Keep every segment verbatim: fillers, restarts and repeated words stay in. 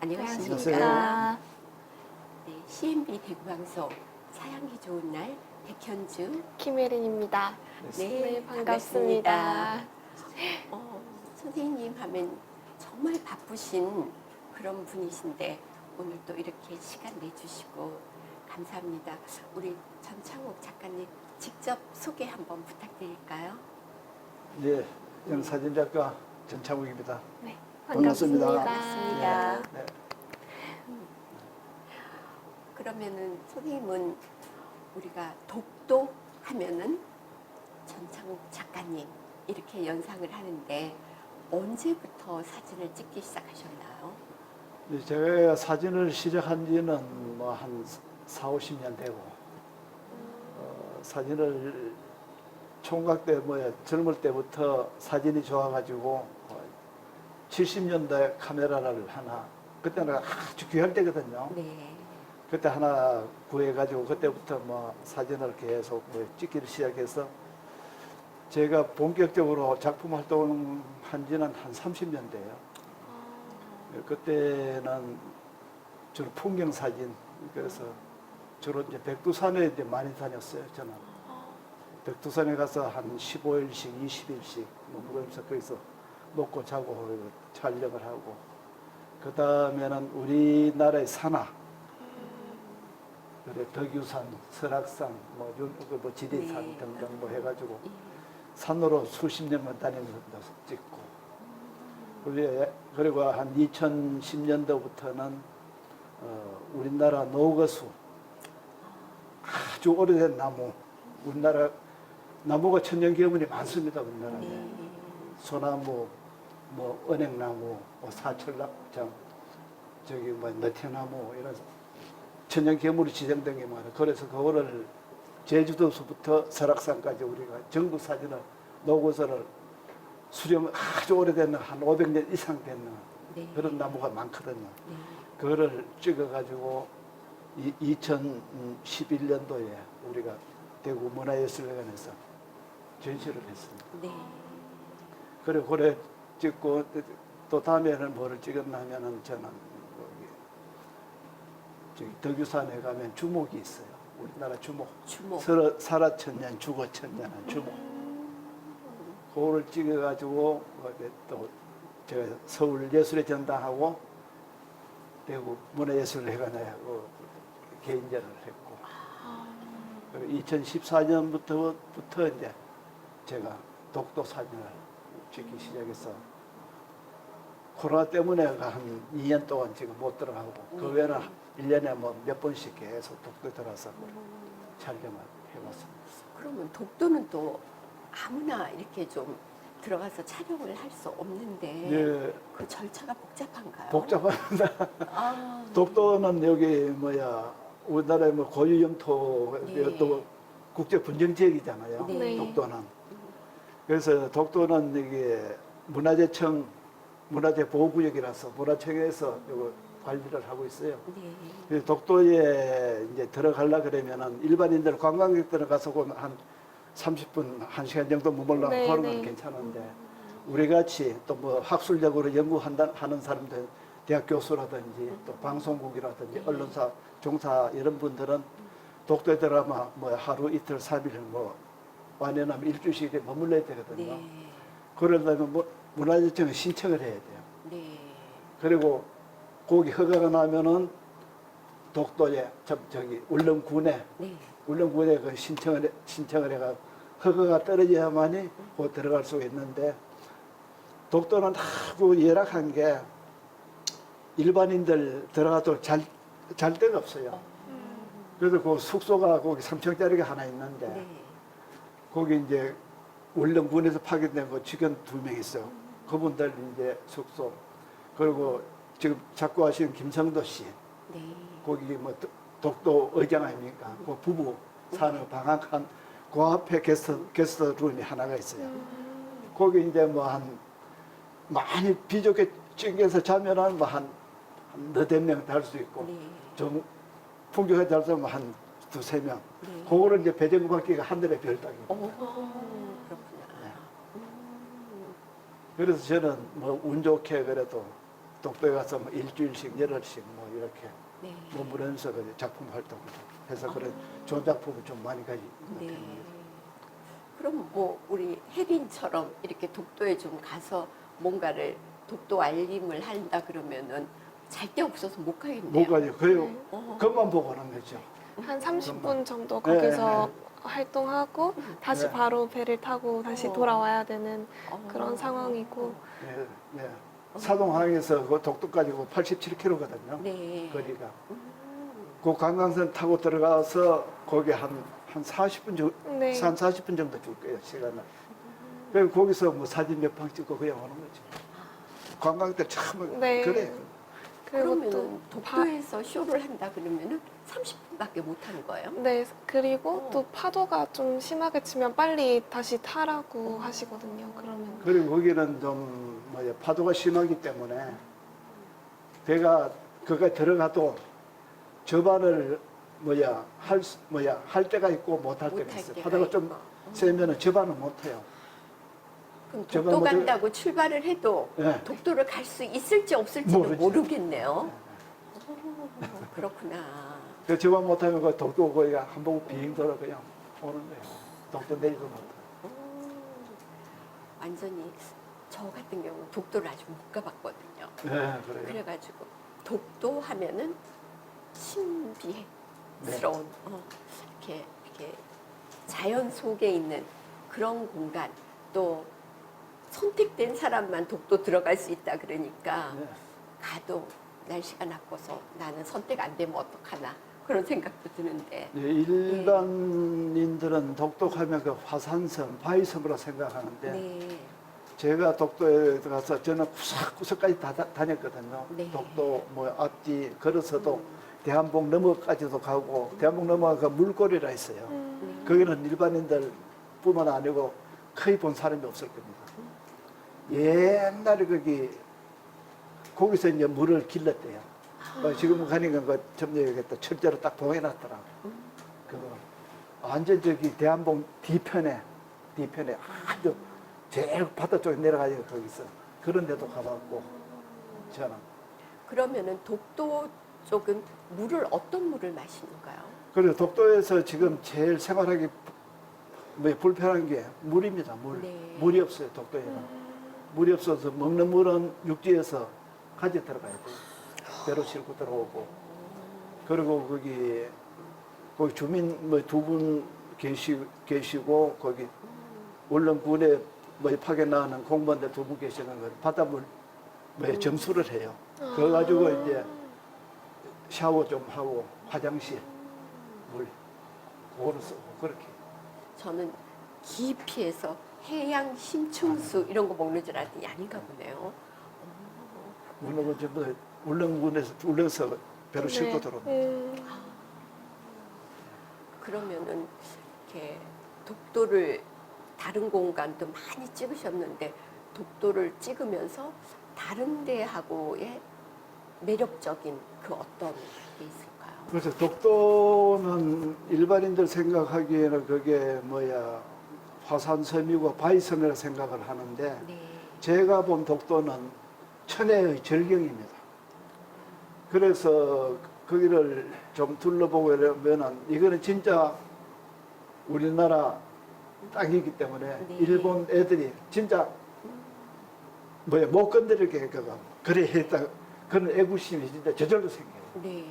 안녕하십니까. 네, 씨엠비 대구방송 사양이 좋은 날 백현주 김혜린입니다. 네, 네, 반갑습니다. 어, 선생님 하면 정말 바쁘신 그런 분이신데 오늘 또 이렇게 시간 내주시고 감사합니다. 우리 전창욱 작가님 직접 소개 한번 부탁드릴까요? 네, 저는 사진작가 전창욱입니다. 네, 반갑습니다. 반갑습니다. 네. 그러면은 선생님은 우리가 독도 하면은 전창욱 작가님 이렇게 연상을 하는데 언제부터 사진을 찍기 시작하셨나요? 네, 제가 사진을 시작한 지는 뭐 한 사오십 년 되고 어, 사진을 총각 때 뭐야 젊을 때부터 사진이 좋아가지고 어, 칠십 년대 카메라를 하나 그때는 아주 귀할 때거든요. 네. 그때 하나 구해가지고 그때부터 뭐 사진을 계속 뭐 찍기를 시작해서 제가 본격적으로 작품 활동한 지는 한 삼십 년 돼요. 그때는 주로 풍경 사진, 그래서 주로 이제 백두산에 이제 많이 다녔어요, 저는. 백두산에 가서 한 십오 일씩, 이십 일씩, 뭐, 그러면서 거기서 먹고 자고 촬영을 하고, 그 다음에는 우리나라의 산하, 그래, 덕유산, 설악산, 뭐, 윤- 그 뭐 지리산 네. 등등 뭐 해가지고, 산으로 수십 년만 다니면서 찍고, 그리고 그리고 한 이천십 년도부터는 어, 우리나라 노거수, 아주 오래된 나무, 우리나라 나무가 천연기념물이 많습니다, 우리나라에. 네. 소나무, 뭐 은행나무, 뭐 사철락장, 저기 뭐 너태나무 이런 천연기념물이 지정된 게 많아요. 그래서 그거를 제주도서부터 설악산까지 우리가 전국 사진을 노고서를 수령 아주 오래된 한 오백 년 이상 된 네. 그런 나무가 많거든요. 네. 그거를 찍어가지고 이천십일 년도에 우리가 대구 문화예술회관에서 전시를 했습니다. 네. 그리고 그래 찍고 또 다음에는 뭐를 찍었냐면은 저는 여기 저기 덕유산에 가면 주목이 있어요. 우리나라 주목. 주목. 설어, 살아천년, 죽어천년한 주목. 그거를 찍어가지고 또 제가 서울 예술의 전당하고 대구 문화예술회관에 개인전을 했고 그리고 이천십사 년부터 부터 이제 제가 독도 사진을 찍기 시작해서 코로나 때문에 한 이 년 동안 지금 못 들어가고 그 외에는 일 년에 뭐 몇 번씩 계속 독도 들어서 촬영을 해왔습니다. 그러면 독도는 또 아무나 이렇게 좀 들어가서 촬영을 할 수 없는데 예, 그 절차가 복잡한가요? 복잡합니다. 아, 독도는 여기 뭐야 우리나라의 뭐 고유 영토 네. 또 국제 분쟁 지역이잖아요. 네. 독도는. 그래서 독도는 이게 문화재청 문화재 보호구역이라서 문화청에서 이거 관리를 하고 있어요. 네. 그래서 독도에 이제 들어가려 그러면은 일반인들 관광객들 가서 보면 한 삼십 분, 한 시간 정도 머물러 네, 그런 네. 건 괜찮은데 우리 같이 또 뭐 학술적으로 연구한다 하는 사람들 대학 교수라든지 또 방송국이라든지 언론사 종사 이런 분들은 독도에 들어가면 뭐 하루 이틀 삼일 뭐 완연하면 일주일씩 머물러야 되거든요. 네. 그러려면 뭐 문화재청에 신청을 해야 돼요. 네. 그리고 거기 허가가 나면은 독도에 저, 저기 울릉군에 네. 울릉군에 그 신청을 해- 신청을 해가 허가가 떨어져야만이 곧 들어갈 수가 있는데 독도는 하고 열악한 게 일반인들 들어가도 잘, 잘 데가 없어요. 그래서 그 숙소가 거기 삼 층짜리가 하나 있는데 네. 거기 이제 울릉군에서 파견된 거 직원 두 명 있어요. 그분들 이제 숙소 그리고 지금 자꾸 하시는 김성도 씨 네. 거기 뭐 도- 독도 의장 아닙니까? 그 부부 사는 방학한 그 앞에 게스트 게스트 룸이 하나가 있어요. 거기 이제 뭐 한 많이 비좁게 찡겨서 자면은 뭐한 너댓 명 달 수 있고 네. 좀 풍경에 달서면 한 두세 명. 네. 그거를 이제 배정구 받기가 하늘의 별 따기. 오, 그렇구나. 그래서 저는 뭐 운 좋게 그래도 독도에 가서 뭐 일주일씩 열흘씩 뭐 이렇게 네. 머무르면서 그 작품 활동을 해서 그런 아. 좋은 작품을 좀 많이 가지고 네. 있는 편입니다. 그럼 뭐 우리 혜린처럼 이렇게 독도에 좀 가서 뭔가를 독도 알림을 한다 그러면은 잘 데 없어서 못 가겠네요. 못 가죠. 그래요. 네. 어. 그것만 보고 오는 거죠. 한 삼십 분 정말. 정도 네, 거기서 활동하고 다시 네. 바로 배를 타고 다시 어. 돌아와야 되는 어. 그런 상황이고. 예, 예. 사동항에서 그 독도까지 팔십칠 킬로미터거든요. 네. 거리가. 음. 그 관광선 타고 들어가서 거기 한, 한 사십 분 정도, 네. 한 사십 분 정도 줄 거예요, 시간을. 그리고 거기서 뭐 사진 몇 방 찍고 그냥 오는 거죠. 관광객들 참, 네. 그래. 그리고 그러면은 또 바, 독도에서 쇼를 한다 그러면은 삼십 분밖에 못 하는 거예요? 네, 그리고 어. 또 파도가 좀 심하게 치면 빨리 다시 타라고 하시거든요. 그러면 그리고 거기는 좀, 뭐야, 파도가 심하기 때문에 배가, 거기에 들어가도 저반을, 뭐야, 할, 수- 뭐야, 할 때가 있고 못 할 때가 못할 있어요. 때가 파도가 좀 있고. 세면은 저반을 못 해요. 그럼 저번 독도 모델- 간다고 출발을 해도 예. 독도를 갈 수 있을지 없을지는 모르죠. 모르겠네요. 오, 그렇구나. 그 저반 못하면 그 독도 거기가 한번 비행 돌아 그냥 오는 거예요. 독도 내리도 못하고. 오, 완전히 저 같은 경우는 독도를 아직 못 가봤거든요. 네, 그래요. 그래가지고 독도 하면은 신비스러운 어, 이렇게 이렇게 자연 속에 있는 그런 공간 또 선택된 사람만 독도 들어갈 수 있다 그러니까 네. 가도 날씨가 나빠서 나는 선택 안 되면 어떡하나 그런 생각도 드는데 네, 일반인들은 독도하면 그 화산섬, 바위섬으로 생각하는데 네. 제가 독도에 들어가서 저는 구석구석까지 다, 다 다녔거든요. 네. 독도 뭐 앞뒤 걸어서도 대한봉 너머까지도 가고 대한봉 너머가 그 물고리라 있어요. 음, 거기는 일반인들 뿐만 아니고 거의 본 사람이 없을 겁니다. 옛날에 거기 거기서 이제 물을 길렀대요. 어, 지금 가니까 그 점령하겠다 철제로 딱 봉해놨더라고. 그거 완전 저기 대한봉 뒤편에 뒤편에 아주 제일 바다 쪽에 내려가지고 거기서 그런 데도 가봤고 저는 그러면은 독도 쪽은 물을 어떤 물을 마시는가요? 그리고 독도에서 지금 제일 생활하기 뭐 불편한 게 물입니다. 물 네. 물이 없어요 독도에는. 물이 없어서 먹는 물은 육지에서 가져 들어가야 돼요. 배로 싣고 들어오고. 그리고 거기 거기 주민 뭐 두 분 계시 계시고 거기 울릉군에 뭐 파견나가는 공무원들 두 분 계시는 거 바닷물 뭐 점수를 해요. 그래 가지고 이제 샤워 좀 하고 화장실 물 그거를 쓰고 그렇게. 저는 깊이에서 해양 심층수 이런 거 먹는 줄 알았더니 아닌가 보네요. 울릉군 전부 울릉군에서 울릉서 배로 싣고 네. 들어오는. 음, 그러면은 이렇게 독도를 다른 공간도 많이 찍으셨는데 독도를 찍으면서 다른 데하고의 매력적인 그 어떤 게 있을까요? 그래서 독도는 일반인들 생각하기에는 그게 뭐야 화산섬이고 바위섬이라 생각을 하는데 네. 제가 본 독도는 천혜의 절경입니다. 그래서 거기를 좀 둘러보고 이러면은 이거는 진짜 우리나라 땅이기 때문에 네. 일본 애들이 진짜 뭐야 못 건드리게 그거 그래 했다 그런 애구심이 진짜 저절로 생겨요. 네.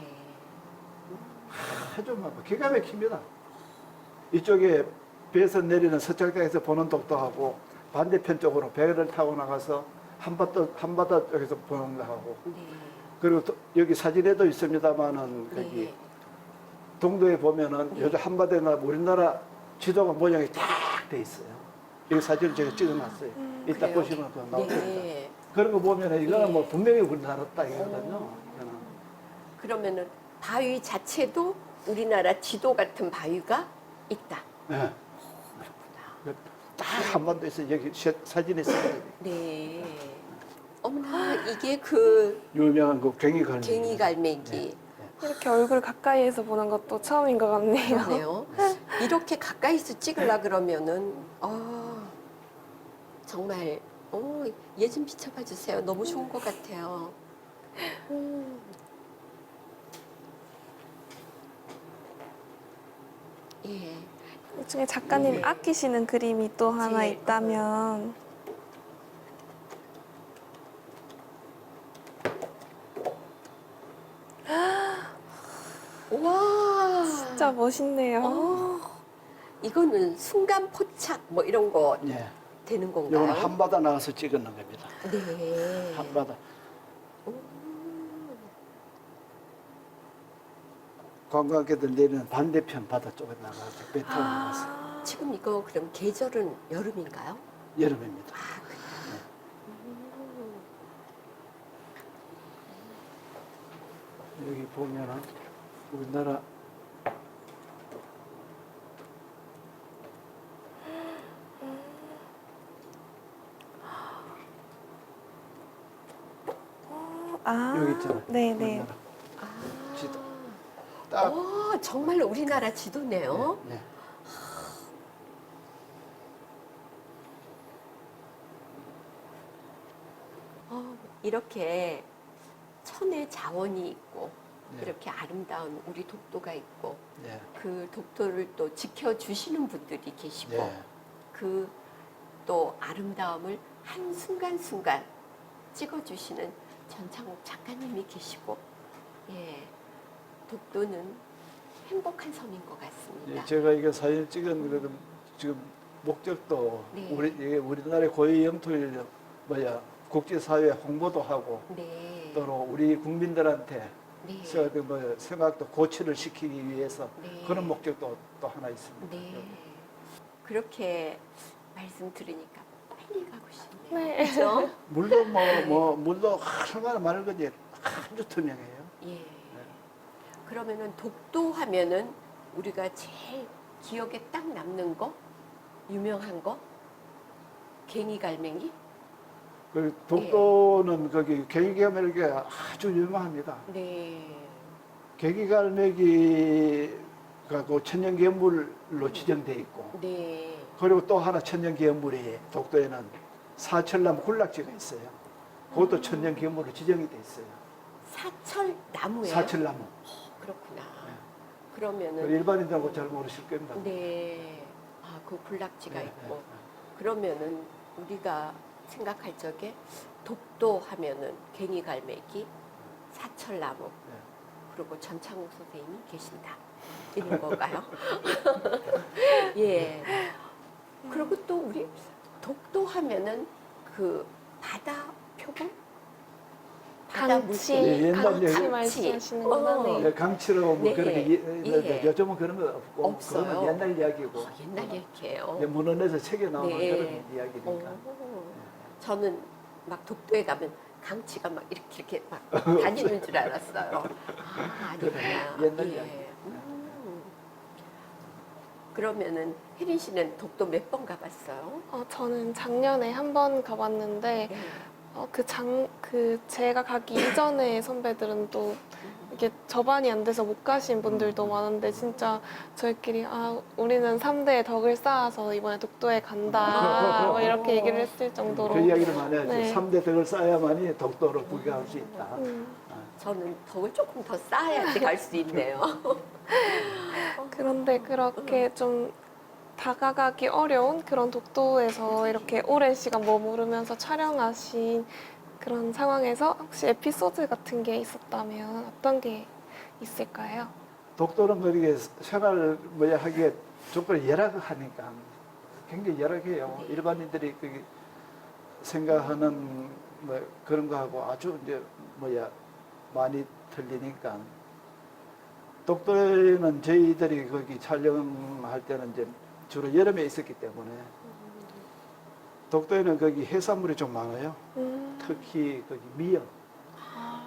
아주 막 기가 막힙니다. 이쪽에 배에서 내리는 서쪽에서 보는 독도하고 반대편 쪽으로 배를 타고 나가서 한바다 한바다 쪽에서 보는 거하고 네. 그리고 또 여기 사진에도 있습니다만은 거기 네. 동도에 보면은 요즘 한바다나 우리나라 지도가 모양이 딱 돼 있어요. 이 사진을 제가 찍어놨어요. 음, 이따 그래요? 보시면 그 나옵니다. 네. 그런 거 보면은 이거는 네. 뭐 분명히 우리나라 땅이거든요. 이거는. 그러면은 바위 자체도 우리나라 지도 같은 바위가 있다. 네. 그렇구나. 딱 한반도에서 여기 시- 사진에 있어요. 네. 어머나 이게 그 유명한 그 괭이갈매기. 괭이갈매기. 이렇게 얼굴 가까이에서 보는 것도 처음인 것 같네요. 그러네요. 이렇게 가까이서 찍으려 그러면은 아 정말 어, 얘 좀 비춰봐 주세요. 너무 좋은 것 같아요. 음. 예. 이 중에 작가님 네. 아끼시는 그림이 또 하나 제일, 있다면 와. 진짜 멋있네요. 어, 이거는 순간 포착 뭐 이런 거 예. 되는 건가요? 이거는 한바다 나가서 찍었는 겁니다. 네. 한바다. 오. 관광객들 내리는 반대편 바다 쪽에 나가서 배 타고 나가서 아, 지금 이거 그럼 계절은 여름인가요? 여름입니다. 아, 그래요? 음. 여기 보면은 우리나라 아, 여기 있잖아요. 네네. 우리나라 아. 지도. 딱. 어, 정말 우리나라 지도네요. 예, 예. 어, 이렇게 천의 자원이 있고 네. 이렇게 아름다운 우리 독도가 있고 예. 그 독도를 또 지켜주시는 분들이 계시고 예. 그 또 아름다움을 한 순간순간 찍어주시는 전창욱 작가님이 계시고 예, 독도는 행복한 섬인 것 같습니다. 예, 제가 이게 사진 찍은 거는 지금 목적도 네. 우리 이게 우리나라의 고유 영토를 뭐야 국제사회 홍보도 하고 네. 또 우리 국민들한테 네. 서- 그 뭐 생각도 고취를 시키기 위해서 네. 그런 목적도 또 하나 있습니다. 네. 그렇게 말씀 들으니까 빨리 가고 싶네요. 네. 그죠? 물도 뭐, 뭐 물도 얼마나 많은 건지 아주 투명해요. 예. 그러면은 독도 하면은 우리가 제일 기억에 딱 남는 거, 유명한 거, 갱이갈매기? 그 독도는 거기 계기갈매기가 아주 유명합니다. 네. 계기갈매기가 그 천연기념물로 지정돼 있고 네. 그리고 또 하나 천연기념물이 독도에는 사철나무 군락지가 있어요. 그것도 천연기념물로 지정이 돼 있어요. 사철 나무예요. 사철나무. 그렇구나. 네. 그러면은 일반인들하고 잘 모르실 겁니다. 네. 아, 그 군락지가 네, 있고. 네, 그러면은 우리가 생각할 적에 독도 하면은 갱이갈매기, 사철나무, 네. 그리고 전창욱 선생님이 계신다. 이런 건가요? 예. 그리고 또 우리 독도 하면은 그 바다 표범? 바다 강치, 물개. 예, 옛날 강치 얘기- 말씀하시는 어. 거네. 네, 강치로 뭐 네. 그렇게 예, 예. 요즘은 그런 거 없고 없어요. 그거는 옛날 이야기고 어, 옛날 얘기예요. 예, 문헌에서 책에 나오는 네. 그런 이야기니까. 오. 저는 막 독도에 가면 강치가 막 이렇게 이렇게 막 다니는 줄 알았어요. 아, 아니구나. 그래, 옛날 예. 이야기. 음. 그러면은 혜린 씨는 독도 몇 번 가봤어요? 어, 저는 작년에 한 번 가봤는데 네. 어, 그 장, 그 제가 가기 이전에 선배들은 또 이게 접안이 안 돼서 못 가신 분들도 많은데 진짜 저희끼리 아 우리는 삼 대의 덕을 쌓아서 이번에 독도에 간다 뭐 이렇게 얘기를 했을 정도로 그 이야기를 많이 하죠. 네. 삼 대 덕을 쌓아야만이 독도를 구경할 수 있다. 음, 저는 덕을 조금 더 쌓아야지 갈 수 있네요. 그런데 그렇게 좀 다가가기 어려운 그런 독도에서 이렇게 오랜 시간 머무르면서 촬영하신 그런 상황에서 혹시 에피소드 같은 게 있었다면 어떤 게 있을까요? 독도는 거기에 생활 뭐야 하기에 조건이 열악하니까 굉장히 열악해요. 네. 일반인들이 그 생각하는 뭐 그런 거하고 아주 이제 뭐야 많이 틀리니까 독도에는 저희들이 거기 촬영할 때는 이제 주로 여름에 있었기 때문에 독도에는 거기 해산물이 좀 많아요. 음, 특히 거기 미역. 아.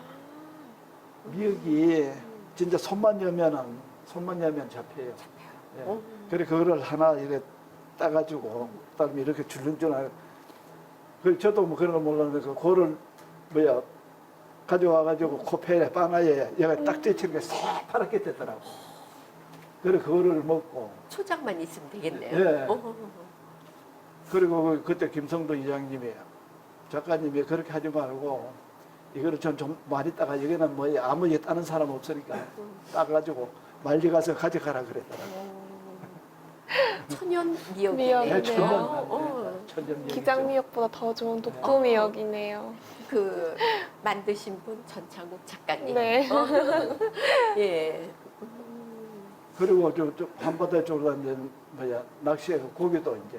미역이 진짜 손만 여면은 손만 여면 잡혀요. 예. 어? 그래 그거를 하나 이렇게 따가지고 그다음에 이렇게 줄렁줄렁. 그 저도 뭐 그런 거 몰랐는데 그거를 뭐야 가져와가지고 코페에 바나에 얘가 딱 떼치는 게 새파랗게 됐더라고. 그래 그거를 먹고 초장만 있으면 되겠네요. 예. 어. 그리고 그때 김성도 이장님이 작가님이 그렇게 하지 말고 이거를 좀, 좀 많이 따가 여기는 뭐 아무 예 따는 사람 없으니까 따가지고 말리 가서 가져가라 그랬더라고. 천연 미역이네요. 미역이네요. 네, 천년 어, 어. 천년 기장미역보다 더 좋은 독도미역이네요. 그 만드신 분 전창욱 작가님. 네. 어. 예. 그리고 저, 저 한바다 쪽으로 이제 뭐야 낚시해 고기도 이제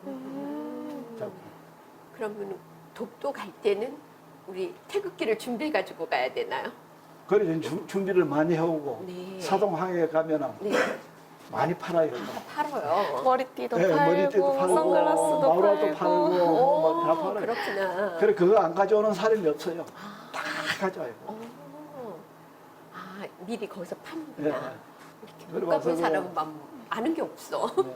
음. 잡고. 그러면 독도 갈 때는 우리 태극기를 준비해 가지고 가야 되나요? 그래서 주- 준비를 많이 해오고 네. 사동항에 가면은 네. 많이 팔아요. 다 팔아요. 머리띠도 네, 팔고, 머리띠도 팔고, 선글라스도 마우라도 팔고. 팔고, 뭐다 오, 팔아요. 그렇구나. 그래 그거 안 가져오는 사람이 없어요. 아, 다 가져와요. 어. 아, 미리 거기서 네. 파는구나. 이렇게 못 그리고 가본 와서 사람은 막 아는 게 없어. 네.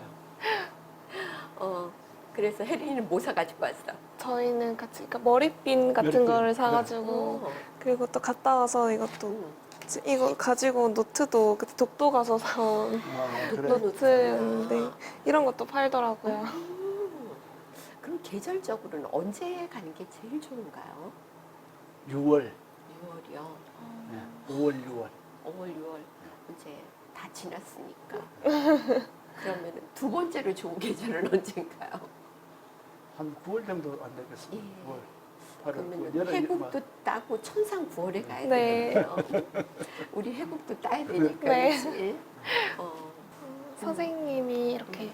어, 그래서 혜린이는 뭐 사가지고 왔어? 저희는 같이 그러니까 머리핀 같은 머리핀, 거를 네. 사가지고 어. 그리고 또 갔다 와서 이것도 음. 이거 가지고 노트도 그때 독도 가서 사온 아, 독도 그래. 노트. 노트였는데 이런 것도 팔더라고요. 음. 그럼 계절적으로는 언제 가는 게 제일 좋은가요? 유월, 유월이요. 네. 오월, 유월. 오월, 유월 이제 다 지났으니까. 그러면 두 번째로 좋은 계절은 언젠가요? 한 구월 정도 안 되겠습니다. 예. 구월, 팔월, 그러면 구월. 해국도 따고 천상 구월에 가야 네. 되겠네요. 우리 해국도 따야 되니까. 네. 그치? 어. 선생님이 이렇게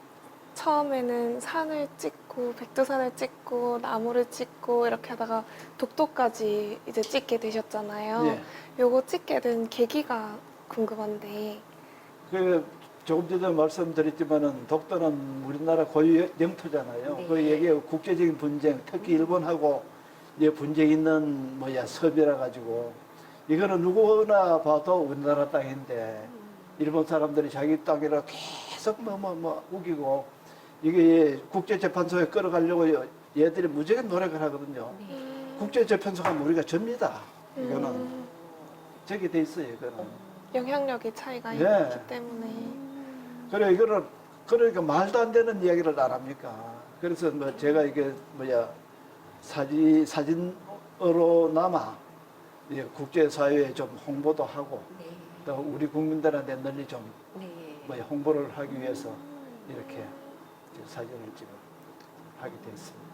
처음에는 산을 찍고 백두산을 찍고 나무를 찍고 이렇게 하다가 독도까지 이제 찍게 되셨잖아요. 예. 요거 찍게 된 계기가 궁금한데. 그 조금 전에 말씀드렸지만은 독도는 우리나라 고유 영토잖아요. 네. 그 얘기 국제적인 분쟁, 특히 일본하고 이제 분쟁 있는 뭐야 섭이라 가지고 이거는 누구나 봐도 우리나라 땅인데 일본 사람들이 자기 땅이라 계속 뭐 뭐 뭐 우기고 이게 국제재판소에 끌어가려고 얘들이 무지하게 노력을 하거든요. 네. 국제재판소가 우리가 접니다. 이거는 음, 저기 돼 있어요. 이거는. 영향력이 차이가 네. 있기 때문에. 그래 이거는 그러니까 말도 안 되는 이야기를 안 합니까? 그래서 뭐 제가 이게 뭐야 사진 사진으로 남아 예, 국제사회에 좀 홍보도 하고 네. 또 우리 국민들한테 널리 좀 네. 뭐야 홍보를 하기 위해서 이렇게 지금 사진을 지금 하게 됐습니다.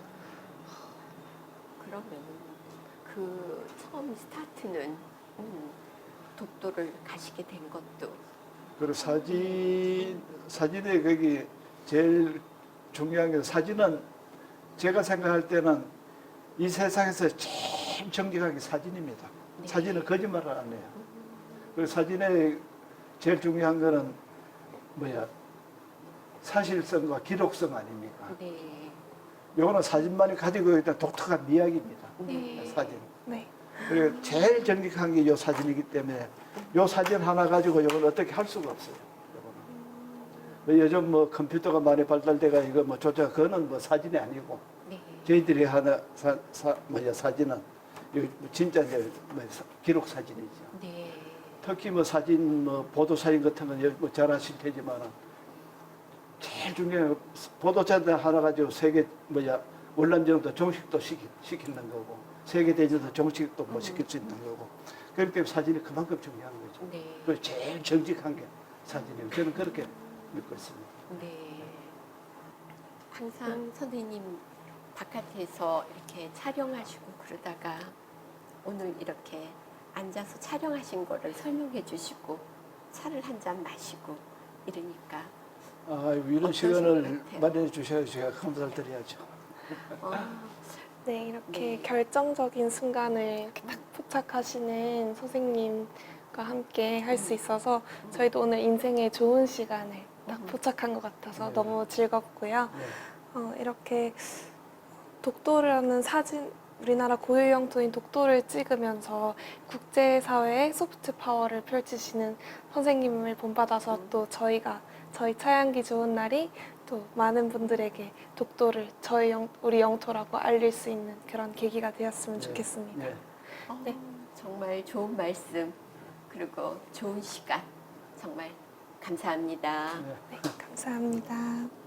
그러면 그 처음 스타트는 음, 독도를 가시게 된 것도 그리고 사진 사진에 거기 제일 중요한 게 사진은 제가 생각할 때는 이 세상에서 제일 정직한 게 사진입니다. 네. 사진은 거짓말을 안 해요. 그리고 사진에 제일 중요한 거는 뭐야 사실성과 기록성 아닙니까? 네. 요거는 사진만이 가지고 있는 독특한 이야기입니다. 네. 사진. 네. 그리고 제일 정직한 게 요 사진이기 때문에 요 사진 하나 가지고 이걸 어떻게 할 수가 없어요. 요거는. 뭐 요즘 뭐 컴퓨터가 많이 발달돼가 이거 뭐 조작 그거는 뭐 사진이 아니고 네. 저희들이 하나 사, 사 뭐야 사진은 이거 진짜 이제 뭐 사- 기록 사진이죠. 네. 특히 뭐 사진 뭐 보도 사진 같은 건 뭐 잘 아실 테지만은 제일 중요한 건 보도자들 하나 가지고 세계 뭐야 월남전도 종식도 시키, 시키는 거고 세계 대전도 종식도 뭐 시킬 수 있는 거고 그렇기 때문에 사진이 그만큼 중요한 거죠. 네. 그 제일 정직한 게 사진이에요. 저는 그렇게 믿고 있습니다. 네. 항상 선생님 바깥에서 이렇게 촬영하시고 그러다가 오늘 이렇게 앉아서 촬영하신 거를 설명해 주시고 차를 한 잔 마시고 이러니까 아, 이런 어떠신 것 시간을 같아요? 마련해 주셔서 제가 감사를 드려야죠. 어, 네, 이렇게 네. 결정적인 순간을 이렇게 딱 포착하시는 선생님과 함께 할 수 있어서 저희도 오늘 인생의 좋은 시간을 딱 음. 포착한 것 같아서 네. 너무 즐겁고요. 네. 어, 이렇게 독도라는 사진, 우리나라 고유 영토인 독도를 찍으면서 국제사회의 소프트 파워를 펼치시는 선생님을 본받아서 음. 또 저희가 저희 차양기 좋은 날이 또 많은 분들에게 독도를 저희 영, 우리 영토라고 알릴 수 있는 그런 계기가 되었으면 네. 좋겠습니다. 네. 어, 네. 정말 좋은 말씀 그리고 좋은 시간 정말 감사합니다. 네. 네, 감사합니다.